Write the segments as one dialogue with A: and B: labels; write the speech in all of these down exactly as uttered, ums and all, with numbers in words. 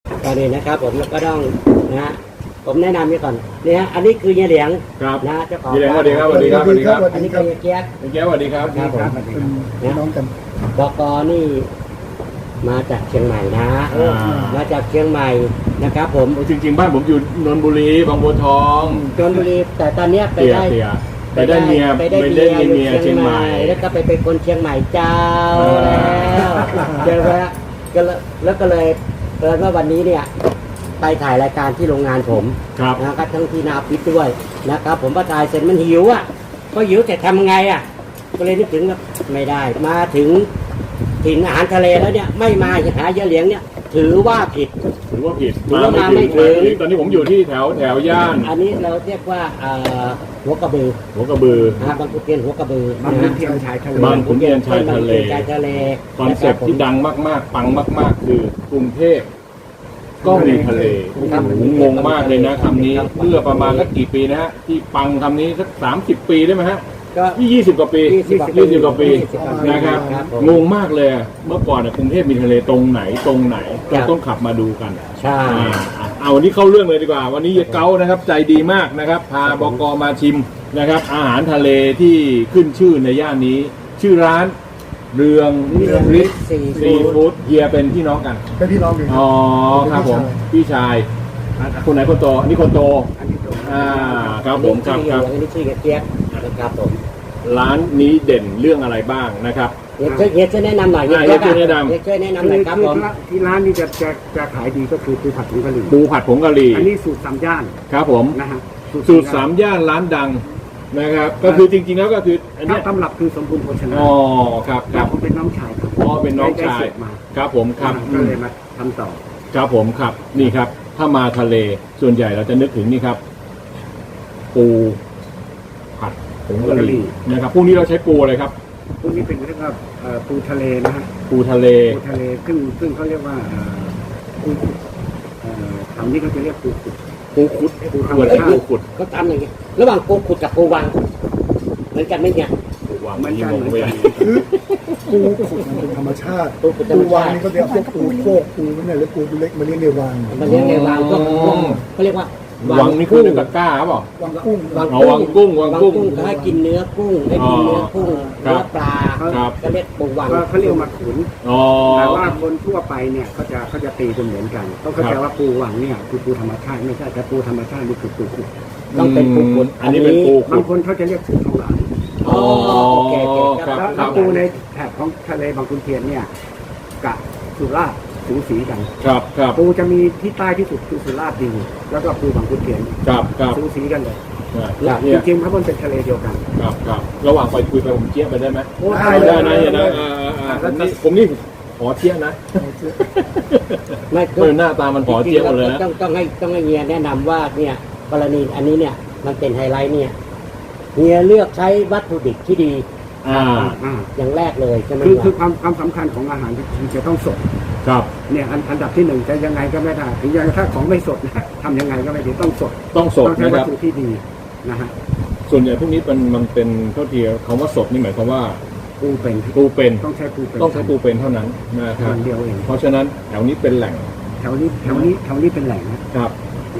A: ก่อนอื่นนะครับผมก็ต้องนะฮะผมแนะนำนี่ก่อนนี่ฮะอันนี้คือเฮียเหลียง
B: ครับ
A: นะเจ้าของ
B: เฮียเหลียงสวัสดีครับสวัสดีครับสวัสดีครับ
A: อันนี้คือเฮียเกียก
B: เฮียเกียกสวัสดีครับ
A: ครับผม
C: เป็นน้องกัน
A: บกนี่มาจากเชียงใหม่นะมาจากเชียงใหม่นะครับผม
B: จริงๆบ้านผมอยู่นนทบุรีบางบัวทอง
A: ชลบุรีแต่ตอนเนี้ยไป
B: เตี่ย
A: ได้
B: เตี่ยไปได้เมีย
A: ไปได้
B: ไป
A: เมี
B: ได้
A: ยอยู่
B: เมีย
A: เชี
B: เชี
A: ย
B: ย
A: ง
B: ง
A: ให
B: ให
A: ม่
B: ม่
A: แล้วก็ไปเป็นคนเชียงใหม่เจ้า
B: อ่า
A: แล้วเจอแล้วก็เลยแล้วก็เลยเกิดว่าวันนี้เนี่ยไปถ่ายรายการที่โรงงานผม
B: ครับ
A: นะครับทั้งที่นาพิษด้วยนะครับผมพอถ่ายเสร็จมันหิวอ่ะก็หิวแต่ทำไงอ่ะก็เลยนึกถึงว่าไม่ได้มาถึงถิ่นอาหารทะเลแล้วเนี่ยไม่มาหาเยอะเหลียงเนี่ยถือว่าผิด
B: ถือว่าผิด
A: ถือว่ามาไม่ถึง
B: ตอนนี้ผมอยู่ที่แถวแถวย่าน
A: อันนี้เราเรียกว่าเอ่อหัวกระบือ
B: หัวกระบือ
A: นะบางขุนเทียนหัวกระบือบ
C: าง
A: นะ
C: ขุ
A: ฮะ
C: นเทียนชายทะเล
B: บางขุนเทียนชายทะเล
A: ชายทะเล
B: คอนเซ็ปต์ที่ดังมากๆ ปังมาก ๆ คือกรุงเทพก็มีทะเล
A: ครับ
B: ผมงงมากเลยนะคำนี้เมื่อประมาณสักกี่ปีนะฮะที่ปังคำนี้สักสามสิบปีได้ไหมฮะ
A: ก็
B: นี่ยี่สิบกว่าปี
A: ยี่สิบกว่าปี
B: ยี่สิบกว่าปี
A: ยี่สิบกว่าปี
B: นะครับ
A: ครับผม
B: งงมากเลยอะเมื่อก่อนเนี่ยกรุงเทพมีทะเลตรงไหนตรงไหน
A: ครั
B: เรา
A: บ
B: ต้องขับมาดูกัน
A: ใช่
B: อ่าเอาวันนี้เข้าเรื่องเลยดีกว่า วันนี้เยเก้านะครับใจดีมากนะครับ พาบกมาชิมนะครับ อาหารทะเลที่ขึ้นชื่อในย่านนี้ ชื่อร้านเรืองฤทธิ์
A: ซี
B: ซีฟู้ดเฮียเป็นพี่น้องกัน
C: เป็นพี่น้องกัน
B: อ๋อครับผมพี่ชายคนไหนคนโตอันนี้คนโต
C: อันนี้ตัว
B: อ่าครับผมครับครับ
A: อันนี้ชื่อเกียกนะครับผม
B: ร้านนี้เด่นเรื่องอะไรบ้างนะครับ
A: เฮียช่วยเฮียช่วยแนะนำหน่อย
B: อ่าเฮียช่วยแนะนำ
A: เฮียช่วยแนะนำ
C: คื
A: หน่อย
C: อ
A: ครับ
C: คือ
A: ผม
C: ที่ร้านนี้จะจะจะขายดีก็คือปูผัดผงกะหรี่
B: ปูผัดผงกะหรี่
C: อันนี้สูตรสามย่าน
B: ครับผม
C: นะฮะ
B: สูตรสามย่านร้านดังนะครับ ก็คือจริงๆแล้วก็คืออัน
C: ถ้า
B: เนี้ย
C: ตำรับคือสมบูรณ์โภชนา
B: อ๋อครับค
C: แต่
B: รับ
C: ผมเป็นน้องชายครับ
B: อ๋อเป็นน้องชาย
C: ได้สูตรมา
B: ครับผมครับ
C: ก็เลยมาทำต่อ
B: ครับผมครับนี่ครับ ถ้ามาทะเลส่วนใหญ่เราจะนึกถึงนี่ครับ ปูผัดผงกะหรี่นะครับพวกนี้เราใช้ปูอะไรครับ
C: พวกนี้เป็นเรียกว่าเอ่อปูทะเลนะฮะ
B: ปูทะเล
C: ปูทะเลซึ่งซึ่งเขาเรียกว่าเอ่อปูขุดเอ่อแถวนี้เขาจะเรียกปูขุด
B: ปูขุด
C: ปูธรร
B: ส่
C: ม
B: วน
C: ชา
B: ปู
C: ติ
B: ขุด
A: ก็ทำอย่างนี้ระหว่างปูขุดกับปูวางเหมือนกันไหมเนี่ย
B: ปูวาง
C: เหมือนกัน
B: งง
C: เหมือน
B: ไป
C: กัน
D: ปูขุดมันเป็นธรรมชาติ
A: ปูขุดธร
D: ปู
A: รม
D: วา
A: ชาง ติ
D: นี่ก็จะเอาพวกปูโคกปูเนี่ยหรือปูตัวเล็กมาเลี้ยงในวาง
A: มันเรียกในวางก็เขาเรียกว่า
B: วังนี่คือในตะกร้าเปล่า
D: วางกุ้ง
A: วาง
B: อ๋อวางกุ้งวางกุ้ง
A: เขาให้กินเนื้อกุ้งให้กินเนื้อกุ้ง
B: ครั
A: เนื้อบ ปลา
B: ครับ
A: ก็เรียกปูวาง
C: ก็เขาเรียกมาขุน
B: อ๋อ
C: แต่ว่าคนทั่วไปเนี่ยเขาจะเขาจะตีเป็นเหมือนกันเขาเข้าใจว่าปูหวังเนี่ยคือปูธรรมชาติไม่ใช่แต่ปูธรรมชาตินี่คือปูขุด
A: ต้องเป็นปูขุด
B: อันนี้เป็นปูขุ
C: บาง
B: ด
C: คนเขาจะเรียกปูทองหลาง
A: อ๋อโอเคโอเค
B: ครับ
C: แล้วแล้วปูในแถบของทะเลบางขุนเทียนเนี่ยกับสุราษฎร์สูสีกัน
B: ครับครับ
C: ปูจะมีที่ใต้ที่สุดคือสุราษฎร์ดีแล้วก็ปูบางขุนเทียน
B: ครับครับ
C: สูสีกันเลย
B: เนี่ย
C: จริงๆเขาเป็นทะเลเดียวกัน
B: ครับครับระหว่างไปคุยไปผมเจี๊ยบไปได้ไหม
C: โอ้
B: ได้ได้นะเฮียนะอ่าอ่าอ่าผมนี่ผมนี่ขอเจี๊ยบนะ
A: ไม่
B: เออหน้าตามันขอเจี๊ยบหมดเลยนะ
A: ต้องต้องให้ต้องให้เฮียแนะนำว่าเนี่ยกรณีอันนี้เนี่ยมันเป็นไฮไลท์เนี่ยเฮียเลือกใช้วัตถุดิบที่ดี
B: อ่า
C: อ่า
A: อย่างแรกเลยใช่ไหม
C: คือ
A: วะ
C: คือความความสำคัญของอาหารคือจะต้องสด
B: ครับ
C: เนี่ยอันอันดับที่หนึ่งจะยังไงก็ไม่ได้ถึงยังถ้าของไม่สดนะทำยังไงก็ไม่ได้ต้องสด
B: ต้องสด
C: ต้องใช้
B: นะค
C: วัต
B: รับ
C: ถุที่ดีนะฮะ
B: ส่วนใหญ่พวกนี้เป็นมันเป็นเท่าที่คำว่าสดนี่หมายความว่า
C: ปูเป็น
B: ปูเป็น
C: ต้องใช้ปูเป็น
B: ต้องใช้ปูเป็นเท่านั้นนะครับ
C: อย่างเดียวเอง
B: เพราะฉะนั้นแถวนี้เป็นแหล่ง
C: แถวนี้แถวนี้แถวนี้เป็นแหล่งนะครับ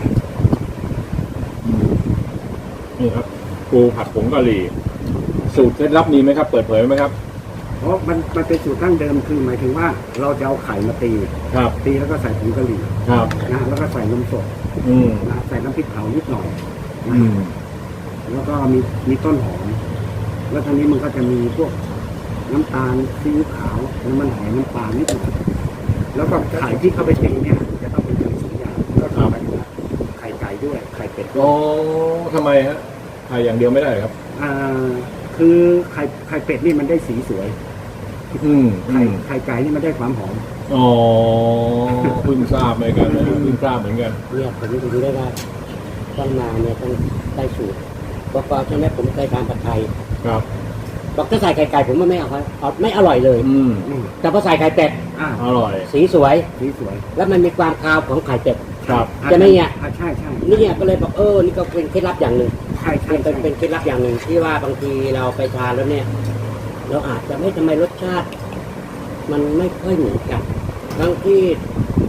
B: นี่ครับปูผัดผงกะหรี่สูตรเคล็ดลับมีไหมครับ เปิดเผยไหมครับ
C: เพราะมันมันเป็นสูตรตั้งเดิมคือหมายถึงว่าเราจะเอาไข่มาตี
B: ครับ
C: ตีแล้วก็ใส่ผงกะหรี่
B: ครับ
C: นะแล้วก็ใส่นมสด
B: อืม
C: นะใส่น้ำพริกเผานิดหน่อย
B: อืม
C: แล้วก็มีมีต้นหอมแล้วทีนี้มันก็จะมีพวกน้ำตาลซีอิ๊วขาวน้ำมันหอยน้ำปลานิดหน่อยแล้วก็ไข่ที่เข้าไปตีเนี่ยจะต้องเป็นไข่สองอย่างก็คือหมายถึงว่าไข่ไก่ด้วยไข่เป็ดด้วย
B: อ๋อทำไมฮะไข่อย่างเดียวไม่ได้เหรอครับ
C: อ่าคือไข่ไข่เป็ดนี่มันได้สีสวย
B: อืมอื
C: ไข่
B: ม
C: ไข่ไก่นี่มันได้ความหอม
B: อ๋อเพิ่งทราบเหมือนกันนะเพิ่งทราบเหมือนกัน
A: เนี่ยผมดูได้ว่าต้องมาเนี่ยต้องได้สูตรบอกก่อนใช่ไหมผมเคยทานผัดไทย
B: ครับ
A: บอกถ้าใส่ไข่ไก่ผมว่าไม่เอาครับเอาไม่อร่อยเลย
B: อืม
C: อืม
A: แต่พอใส่ไข่เป็ด
C: อ่า
B: อร่อย
A: สีสวย
C: สีสวย
A: แล้วมันมีความคาวของไข่เป็ด
B: ครับ
A: ใช่ไหมเนี่ย
C: อ่าใช่ใช่
A: นี่เนี่ยก็เลยบอกเออนี่ก็เป็นเคล็ดลับอย่างหนึ่ง
C: ใช่ใช่
A: เป็น
C: ใช่
A: เป็นเคล็ดลับอย่างหนึ่งที่ว่าบางทีเราไปทานแล้วเนี่ย เราอาจจะไม่ทำไมรสชาติ มันไม่ค่อยเหมือนกันบางที่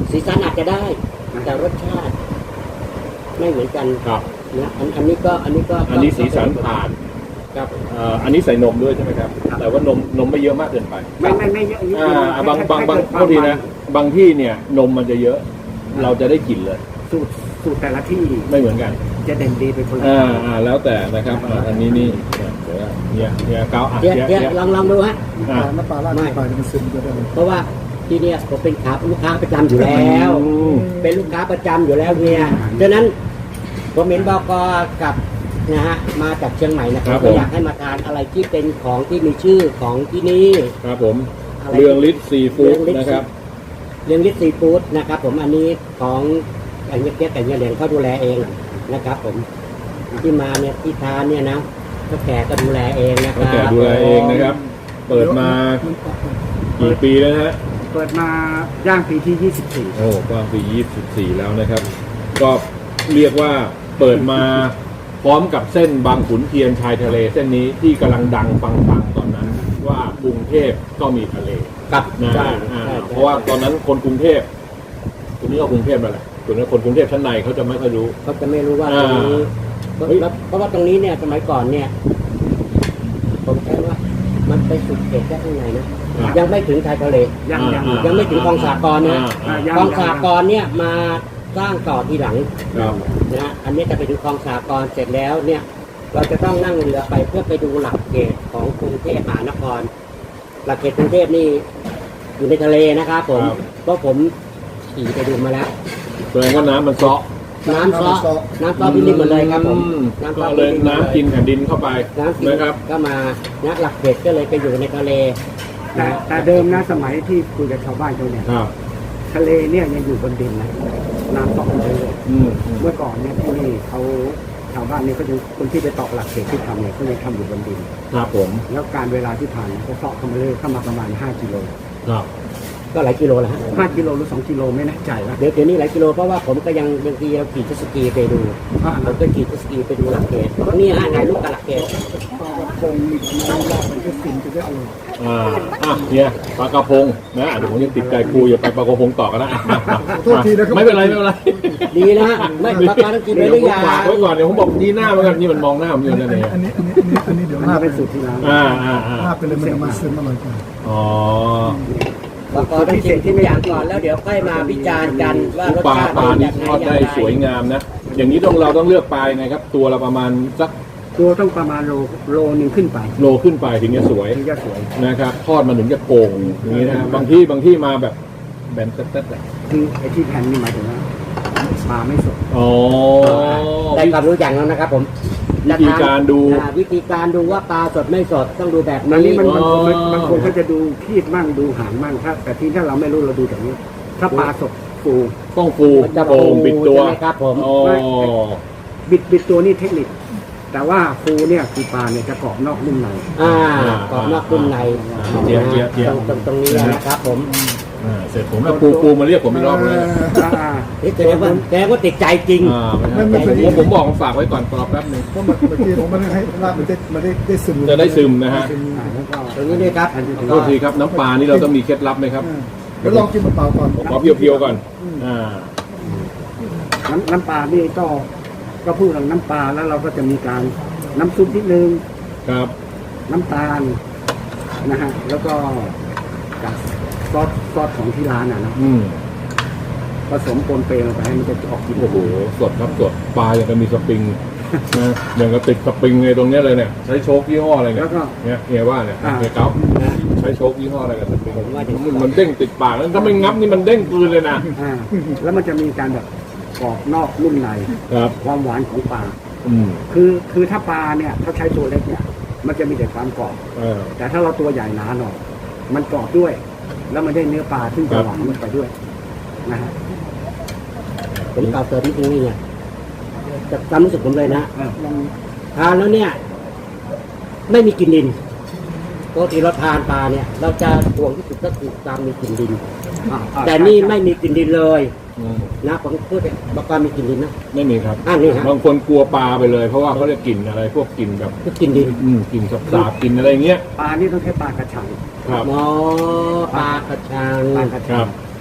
A: สีสันอาจจะได้ แต่รสชาติ ไม่เหมือนกัน
B: ครับ
A: นะอันอันนี้ก็อันนี้ก็
B: อันนี้สีสันผ่าน
A: ครับ
B: เอ่ออันนี้ใส่นมด้วยใช่ไหมครับ แต่ว่านมนมไม่เยอะมากเกินไป
C: ไม่ไม่ไม่เยอะนิด
B: อ่
C: เดียว
B: าบางบางบาง
C: ให้
B: โทษทีนะ บางที่เนี่ยนมมันจะเยอะ เราจะได้กลิ่นเลย
C: สูตรสูตรแต่ละที่
B: ไม่เหมือนกัน
C: จะเด่นดีเป็นคนละ
B: อ่าอ่าแล้วแต่นะครับอ่าอันนี้นี่เนี่ยเดี๋ยวเนี่ยเนี่ยเกาอ่ะ
A: เดี๋ยว
B: เนี่ย
A: เดี๋ยว
B: เนี่ย
A: ลองลองดูฮะ
B: อ่า
D: น้ำปลาราดลงไปมันซึมก็ได้
A: เพราะว่าที่เนี่ยผมเป็นขาลูกค้าประจำอยู่แล้ว
B: อืม
A: เป็นลูกค้าประจำอยู่แล้วเนี่ยดังนั้นผมเห็นบกกับนะฮะมาจากเชียงใหม่นะค
B: ครั
A: รับบ
B: ผม
A: ก็อยากให้มาทานอะไรที่เป็นของที่มีชื่อของที่นี่
B: ครับผม
A: อะไร
B: เรืองฤทธิ์ซีฟู้ด
A: เรืองฤทธิ์
B: นะครับ
A: เรื่องลิซีฟู้ดนะครับผมอันนี้ของไก่เงี้ยเกี้ยไก่เงี้ยเหลียงเขาดูแลเองนะครับ ผมที่มาเนี่ยที่ทานเนี่ยนะก็แก่ก็ดูแลเองนะค
B: ก็
A: รับ
B: แก่ดูแลเองนะครับ เปิดมากี่ปีแล้วนะฮะ
C: เปิดมาย่างปีที่ยี่สิบสี่
B: โอ้กว้างปียี่สิบสี่แล้วนะครับ ก็เรียกว่าเปิดมาพร้อมกับเส้นบางขุนเทียนชายทะเล เส้นนี้ที่กำลังดังปังๆตอนนั้น ว่ากรุงเทพก็มีทะเล
A: กับ
B: นะ
A: ใช่
B: อ่า
A: ใช่
B: เพราะว่าตอนนั้นคนกรุงเทพคนนี้ก็กรุงเทพนั่นแหละส่วนนั้นคนกรุงเทพชั้นในเขาจะไม่ค่อยรู้
A: เขาจะไม่รู้ว่าต
B: อ่า
A: รงนี้
B: เฮ้ย
A: แล้วเพราะว่าตรงนี้เนี่ยสมัยก่อนเนี่ย ผมใช้ว่ามันไปสุดเขตแค่ข้างในนะ
B: อ่า
A: ยังไม่ถึงชายทะเล
C: ยังยัง
B: อ่า
A: ยังไม่ถึงคลองสากรนะ
B: อ่า
C: ยัง
A: คลองสากรเนี่ยมาสร้างต่อทีหลัง
B: ครับ
A: นะฮะอันนี้จะไปดูคลองสากรเสร็จแล้วเนี่ย เราจะต้องนั่งเรือไปเพื่อไปดูหลักเขตของกรุงเทพมหานคร หลักเขตกรุงเทพนี่อยู่ในทะเลนะครับผม
B: ครับ
A: เพราะผมขี่ไปดูมาแล้ว
B: แสดงว่าน้ำมันเซาะ
A: น้ำซอน้ำซอพิลิมหมดเลยครับผม
B: อื
A: น้ำซ
B: ก็
A: อ
B: เลย
A: พิลิมหมด
B: น้ำกินแผ่นดินเข้าไป
A: น้ำกิน
B: นะครับ
A: ก็มานะหลักเขตก็เลยไปอยู่ในทะเล
C: แต่
A: นะ
C: แต่เดิมนะสมัยที่คุยกับชาวบ้านเขาเนี่ย
B: ครับ
C: ทะเลเนี่ยยังอยู่บนดินนะน้ำตกเลย
B: อืมอืม
C: เมื่อก่อนเนี่ยที่นี่เขาชาวบ้านเนี่ยเขายังคนที่ไปตอกหลักเขตที่ทำเนี่ยเขายังทำอยู่บนดิน
B: ครับผม
C: แล้วการเวลาที่ผ่านเขาเสาะเข้ามาเลยเข้ามาประมาณห้ากิโล
B: ครับ
A: ก็หลายกิโลแล้วฮะ
C: ห้ากิโลหรือสองกิโลไม่แน่ใจว่า
A: เดี๋ยวเดี๋ยวนี้หลายกิโลเพราะว่าผมก็ยังบางทีเราขี่เจ็ตสกีไปดูผมก็ขี่เจ็ตสกีไปดูหลักเขตนี่ฮะถ่ายรูปกับหลักเขต
D: ปลากระพงมีน้ำราดมันก็ฟินจะได้อร่อย
B: อ่าอ่ะเนี่ยปลากระพงนะเดี๋ยวผมยังติดใจครูอย่าไปปลากระพงต่อกันนะอ่ะ
D: โทษทีนะครับ
B: ไม่เป็นไรไม่เป็นไร
A: ดีนะฮะไม่ปลาการต้องกินไป
B: เดี๋ยว
A: หรือ
B: ผม
A: ยัง
B: ฝากไว้ก่อนเดี๋ยวผมบอกยีหน้าเหมือนกันนี่มันมองหน้าผมอยู่นั่นเอง
D: อันนี้อันนี้อันนี้อันนี้เดี๋ยว
C: อัน
D: ลา
C: นี้
D: บ
C: เป็นสูตรที่ร้าน
B: อ่าอ่าอ่า
D: ลาบไปเลยมันจะมาซึมอร่อยกว่า
B: อ๋อ
A: ปลาการต้องกินทุกอย่างก่อนแล้วเดี๋ยวค่อยมาวิจารณ์กันว่ารส
B: ปลา
A: ชาติ
B: ปลา
A: เป็น
B: นี่
A: ยังไง
B: ทอดได้
A: อย่างไร
B: สวยงามนะ อย่างนี้ต้องเราต้องเลือกปลายังไงครับ ตัวละประมาณสัก
C: ตัวต้องประมาณโลโลหนึ่งขึ้นไป
B: โลขึ้นไปถึงจะสวย
C: ถึงจะสวย
B: นะครับ ทอดมันถึงจะโก่งอย่างนี้นะบางที่บางที่มาแบบแบนเต๊ดๆเลย
C: คือไอ้ที่แผ่นนี่หมายถึงว่าปลาไม่สด
B: อ๋อ
A: ได้ความรู้อย่างแล้วนะครับผม
B: วิธีการดู
A: อ่าวิธีการดูว่าปลาสดไม่สดต้องดูแบบ
C: อันนี้
A: นี้
C: มัน
B: อ๋
C: บาง
B: อ
C: คนบางคนเขาจะดูคีดมั่งดูหางมั่งถ้าแต่ที่ถ้าเราไม่รู้เราดูจากนี้ ถ้าปลาสดฟู
B: ต้องฟู
A: มันจะ
B: โป่งปิดตัว
A: ใช่ไหมครับผม
B: อ๋อ
C: บิดบิดตัวนี่เทคนิค แต่ว่าฟูเนี่ยคือปลาเนี่ยจะกรอบนอกนุ่มใน
A: อ่ากรอบนอกนุ่มใน
B: เจียบเจียบเจียบ
A: ตรงตรงนี้นะครับผม
B: อ่าเสร็จผมแล้วปูปูมาเรียกผมอีกรอบเลย
C: อ่า
A: นี่แสดงว่าแสดงว่าติดใจจริง
B: อ่าไม่ครับผมผมบอกฝากไว้ก่อนรอแป๊บหนึง
D: เพราะเมื่อกี้ผมไม่ได้ให้ลาบมันได้มันได้ได้ซึม
B: จะได้ซึมนะฮะ
C: อ่าแล้วก็
A: ตรงนี้ด้วยครับ
B: ขอโทษทีครับน้ำปลานี่เราต้องมีเคล็ดลับไหมครับ
D: เดี๋ยวลองกินเปล่าๆก่อน
B: ผมขอเพียวๆก่อนอ่า
C: น้ำน้ำปลานี่ก็ก็พูดถึงน้ำปลาแล้วเราก็จะมีการน้ำซุปนิดนึง
B: ครับ
C: น้ำตาลนะฮะแล้วก็กับซอสซอสของที่ร้านอ่ะนะ
B: อืม
C: ผสมปนเปลงไปให้มันจะออกกลิ่น
B: โอ้โหสดครับสดปลาอย่างกับมีสปริงนะอย่างกับติดสปริงเลยตรงเนี้ยเลยเนี่ยใช้โชคยี่ห้ออะไรเนี่ย
C: แล้วก็
B: เนี่ยเฮียว่าเนี่ย
C: อ่า
B: เฮียเก้า
A: นะ
B: ใช้โชคยี่ห้ออะไรกับสปริง
A: ผมว่าถึง
B: มันมันเด้งติดปากแล้วถ้าไม่งับนี่มันเด้งคืนเลยนะ
C: อ่าแล้วมันจะมีการแบบกรอบนอกนุ่มใน
B: ครับ
C: ความหวานของปลา
B: อืม
C: คือคือถ้าปลาเนี่ยเขาใช้ตัวเล็กเนี่ย มันจะมีแต่ความกรอบ
B: เออ
C: แต่ถ้าเราตัวใหญ่หนาหน่อยมันกรอบด้วย แล้วมันได้เนื้อปลาที่
B: ครั
C: จะ
B: บ
C: หวานมันไปด้วยนะฮะ
A: ผมกล่าวเติมนิดนึงนี่เนี่ยจากความรู้สึกผมเลยนะ
C: เออ
D: ลอง
A: ทานแล้วเนี่ย ไม่มีกลิ่นดินปกติเราทานปลาเนี่ย เราจะห่วงที่สุดก็คือการมีกลิ่นดิน
C: อ่าอ่า
A: แต่นี่ไม่มีกลิ่นดินเลย
B: อืม
A: นะผมพูดเลยบอกว่ามีกลิ่นดินนะ
B: ไม่มีครับ
A: อ่านี่ฮะ
B: บางคนกลัวปลาไปเลย เพราะว่าเขาจะกลิ่นอะไร พวกกลิ่นแบบ
A: คือกลิ่นดิน
B: อืมกลิ่นสับสาบกลิ่นอะไรเงี้ย
C: ปลานี่ต้องใช้ปลากระชัง
B: ครับ
A: หมอปลากระชัง
C: ปลากระ
B: ค
C: ชั
B: รั
C: ง
B: บ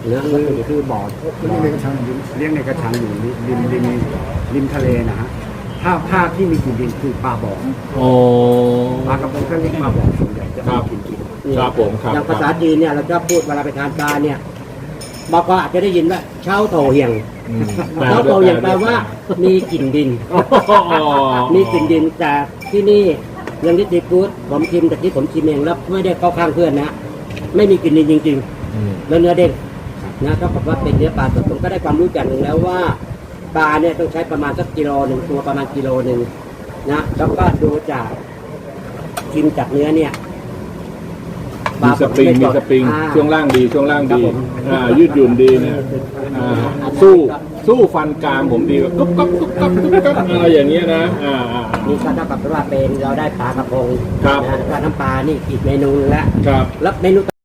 A: เนื้อ
C: คือคือบ่อ
D: มันมีในกระชังอยู่
C: เลี้ยงในกระชังอยู่ริมริมริมทะเลนะฮะถ้าภาคที่มีกลิ่นดินคือปลาบ่อ
B: โอ้
C: ปลากระพงก็เรียกปลาบ่อส่วนใหญ่จะ
B: ครั
C: มี
B: บ
C: กลิ่นดิน
B: ครับผมครับ
A: อย่างภาษาจีนเนี่ยเราจะพูดเวลาไปทานปลาเนี่ยบอกก็อาจจะได้ยินว่าเช้าโถเหี่ยง
B: อืม
A: เช้าโถเหี่ยงแปลว่ามีกลิ่นดิน
B: อ๋อ
A: มีกลิ่นดินแต่ที่นี่ยังที่ตีฟู้ดผมชิมแต่ที่ผมชิมเองแล้วไม่ได้เข้าข้างเพื่อนนะไม่มีกลิ่นดินจริง
B: อืม
A: ๆแล้วเนื้อเด้งนะก็บอกว่าเป็นเนื้อปลาสดผมก็ได้ความรู้อย่างหนึ่งแล้วว่าปลาเนี่ยต้องใช้ประมาณสักกิโลหนึ่งตัวประมาณกิโลหนึ่งนะแล้วก็ดูจากชิมจากเนื้อเนี่ย
B: มีสปริงมีสปริง
A: อ่า
B: ช่วงล่างดีช่วงล่าง
A: ครับ
B: ดี
A: ผม
B: อ่ายืดหยุ่นดีเนี่ยอ่าสู้สู้ฟันกรามผมดีกว่ากุ๊บก๊บกุ๊บก๊บกุ๊บก๊บอะไรอย่างเงี้ยนะอ่าอ่าอ่า
A: นี่ก็เท่ากับว่าเป็นเราได้ปลากระพง
B: ครับ
A: นะแล้วก็น้ำปลานี่อีกเมนูนึงแล้ว
B: ครับ
A: แล้วเมนู